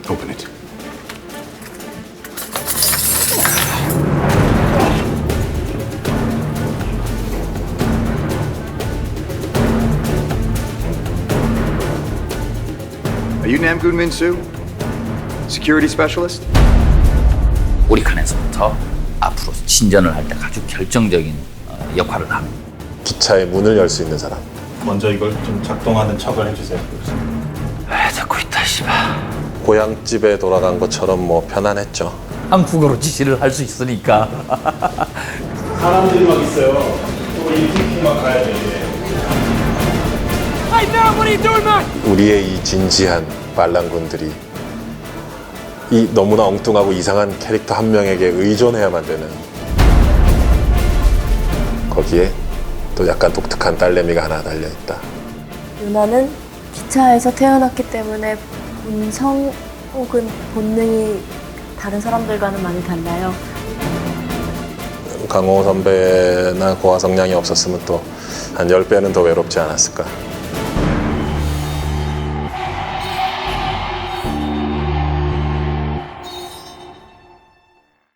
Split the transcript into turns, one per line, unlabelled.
Open it. Are you Namgoon Min-soo? Security specialist?
우리 칸에서부터 앞으로 진전을 할 때 아주 결정적인 역할을 하는.
기차의 문을 열 수 있는 사람.
먼저 이걸 좀 작동하는 척을 해주세요.
왜 자꾸 있다 씨발.
고향집에 돌아간 것처럼 뭐 편안했죠.
한국어로 지시를 할 수 있으니까.
사람들이 막 있어요. 우리 팀만 가야 돼.
우리의 이 진지한 반란군들이 이 너무나 엉뚱하고 이상한 캐릭터 한 명에게 의존해야만 되는, 거기에 또 약간 독특한 딸내미가 하나 달려있다.
유나는 기차에서 태어났기 때문에 본성 혹은 본능이 다른 사람들과는 많이 달라요.
강호 선배나 고화성량이 없었으면 또 한 10배는 더 외롭지 않았을까.